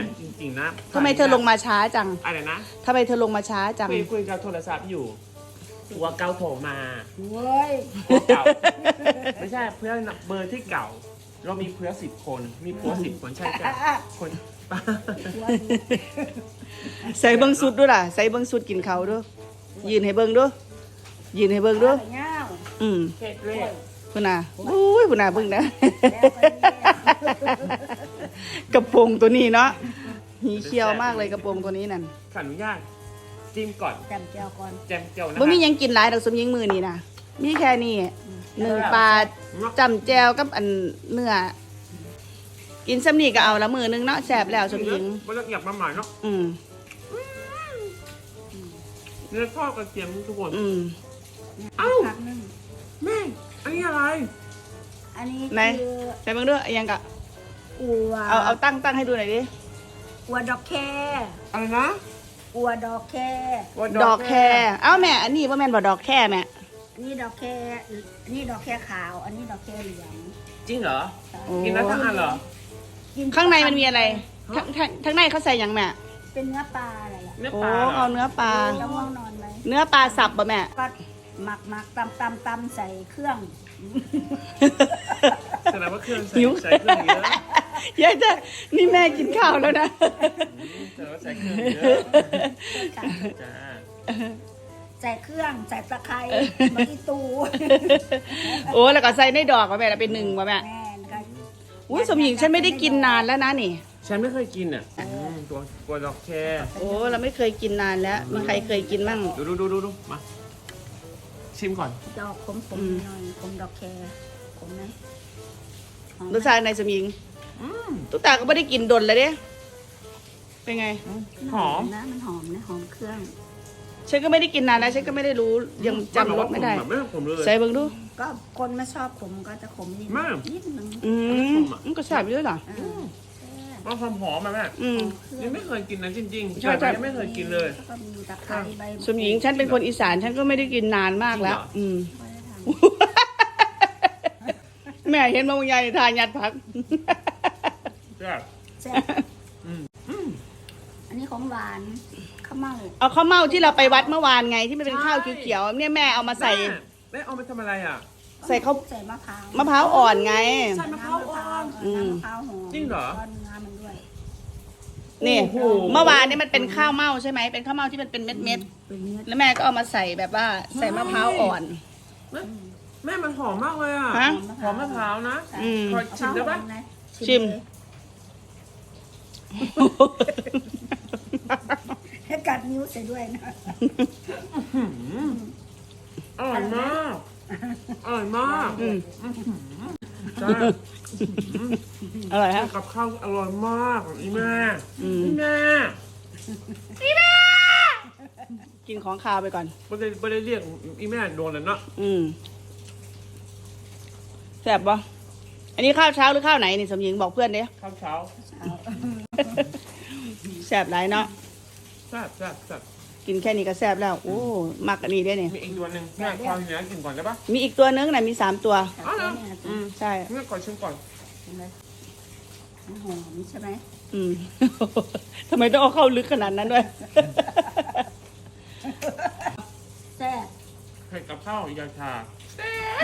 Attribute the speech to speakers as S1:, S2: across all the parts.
S1: จริงๆนะ
S2: ทำไมเธอลงมาช้าจัง
S1: อะไรนะ
S2: ทำไมเธอลงมาช้าจัง
S1: คุยกับโทรศัพท์อยู่หัวเก่าโผล่มา
S3: เว้ย
S1: หัวเก่าไม่ใช่เพื่อนเบอร์ที่เก่าเรามีเพื่อน10 คนมีผัว10 คนใช่จ้ะคน
S2: ใส่เบิ้งสุดด้วยล่ะใส่เบิ้งสุดกินเขาด้วยยืนให้เบิ้งด้วยยืนให้เบิ้งด้วย
S1: เผ็ดเลย
S2: พุ่นน่ะอุ้ยพุ่นน่ะเบิ้งนะกระโปรงตัวนี้เนาะหีเขียวมากเลยกระโปรงตัวนี้นั่น
S1: ขออนุญาตจิ้มก่อน
S3: แจมเจียวก่อน
S1: แจมเจียวนะ
S2: บ่มียังกินหลายดอกสมยิงมือนี่นะมีแค่นี้1 ปลาจำแจวกับอันเนื้อกินซ้ำนี่ก็เอาละมือนึงเนาะแสบแล้วสมยิง
S1: บ่ละเอียดมาใหม่เนาะเนื้อทอดกระเทียมทุกคนเอ้าแม่อันนี้อะไร
S3: อันนี้
S2: คือใส่เบิ่งด้วยยังกะ
S3: อัว
S2: เอาตั้งให้ดูหน่อยดิ
S3: อัวดอกแค
S1: อะไรนะ
S3: อัวดอกแค
S2: ดอกแคเอ้าแม่อันนี้ว่าแม่นบ่ดอกแคแม่
S3: อันนี้ดอกแคอันนี้ดอกแคขาวอันนี้ดอกแคเหลือง
S1: จริงเหรอกินได้ทั้งอันเหรอ
S2: ข้างในมันมีอะไรทั้งในเขาใส่ยังแม่
S3: เป็นเนื้อปลาอะไรล่ะ
S2: โอ้เอาเนื้อปลา
S3: แล้วง่วงนอนไหม
S2: เนื้อปลาสับป่ะแม่
S3: ก็หมักตำใส่เครื่อง
S1: แสดงว่าเครื่องใส่เครื่องเยอะ
S2: ยายจะนี่แม่กินข้าวแล้วนะ
S1: แสดงว่าใส่เครื่องเยอะจ้า
S3: ใส่เครื่องใส่ตะไคร้มะอีตู
S2: โอ้แล้วก็ใส่ในดอกป่ะแม่เป็น1ป่ะแม่อุ้ยสมหญิงฉันไม่ได้กินนานแล้วนะนี่
S1: ฉันไม่เคยกินอ่ะตัวดอกแค
S2: โอ้เราไม่เคยกินนานแล้วมีใครเคยกินบ้าง
S1: ดูมาชิมก่อน
S3: ดอกขมหน่อยขมดอกแคขมไหม
S2: รสชาติในสมหญิงตุ๊กตาก็ไม่ได้กินดนเลยเด้เป็นไง
S1: หอม
S3: นะมันหอมนะหอมเครื่อง
S2: ฉันก็ไม่ได้กินนานแล้วฉันก็ไม่ได้รู้ยังจำรสไม่ได้ใส่เบิ่งดู
S3: ก็คนไม่ชอบขมก็จะขมนิดนึง
S2: มันก็แซ่บด้วยเหรอ
S1: มันหอมมาแม่ยังไม่เคยกินนะจริงๆใช่ยังไม่เคยกินเลย
S2: สมหญิงฉันเป็นคนอีสานฉันก็ไม่ได้กินนานมากแล้วแม่เห็นมะม่วงใหญ่ทานยัดผัก
S3: อันนี้ของหวานข้าวเม่า
S2: เอาข้าวเม่าที่เราไปวัดเมื่อวานไงที่มันเป็นข้าวเขียวๆเนี่ยแม่เอามาใส่
S1: แม่เอาไปทำอะไรอ่ะ
S2: ใส่ข้าว
S3: ใส่มะ
S2: พร้าวอ่อนไง
S1: ใส่มะพร้าวอ่อน
S3: มะพร้าวหอม
S1: จริงเหรอ
S2: นี่เมื่อวานนี่มันเป็นข้าวเม่าใช่ไหมเป็นข้าวเม่าที่มันเป็นเม็ดๆแล้วแม่ก็เอามาใส่แบบว่าใส่มะพร้าวอ่อน
S1: แม่มันหอมมากเลยอ่ะหอมมะพร้าวนะขอชิมได้ปะ
S2: ชิม
S3: ให้กัดนิ้วใส่ด้วยนะ
S1: อร่อยมากอร่อยมาก
S2: อร่อยฮะ
S1: กับข้าวอร่อยมากอีแม่
S2: กินของคาวไปก่อน
S1: ไม่ได้เรียกอีแม่โดนเลยเนาะ
S2: แซ่บปะอันนี้ข้าวเช้าหรือข้าวไหนนี่สมหญิงบอกเพื่อนเด้
S1: ข้าวเช้า
S2: แซ่บหลายเนาะ
S1: แซ่บ
S2: กินแค่นี้ก็แซ่บแล้วโอ้มักอันนี้ได้เนี่ย
S1: มีอีกตัวหนึ่งแม่ความเนื้อกินก่อนได้ปะ
S2: มีอีกตัวนึงนะมี3 ตัวใช่
S1: แม่ก่อนชิมก่อน
S3: หอมใช่ไหม
S2: ทำไมต้องเอาเข้าลึกขนาดนั้นด้วย
S3: แซ่บ
S1: ให้กับข้าวยาชาแซ่บ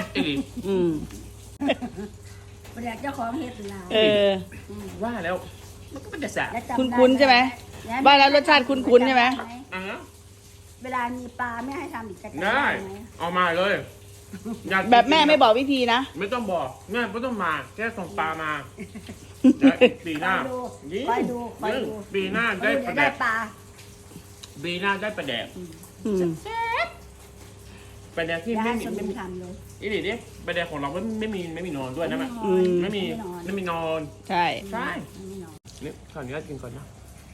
S3: ประเดี๋ยวเจ้าของเฮ็ดลา
S1: ว่าแล้วมันก็เป็นแต่แซ่บ
S2: คุ้นใช่ไหมว่าแล้วรสชาติคุ้นใช่ไหม
S3: เวลามีปลาไม่ให้ทำอีกจะ
S1: ได้เอามาเลย
S2: แบบแม่ไม่บอกวิธีนะ
S1: ไม่ต้องบอกแม่ไม่ต้องมาแค่ส่งปลามาปีหน้า
S3: ไปดู
S1: ปีหน้าได้ปลาแดกปีหน้าได้ปลาแดกปลาแดกที่ไม่มี
S3: ทำเลย
S1: อีนี่ดิปลาแดกของเราไม่มีนอนด้วยนะแม่ไม่มีนอน
S2: ใช่
S1: นี่ขออนุญาตกินก่อนนะ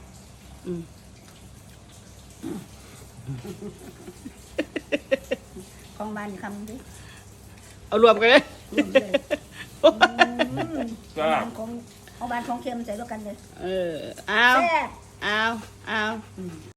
S3: ของบ้านคำดิ
S2: เอารวมกันเลย
S3: ของบ้านของเค็มใส่ด้วยกันเลย
S2: เอา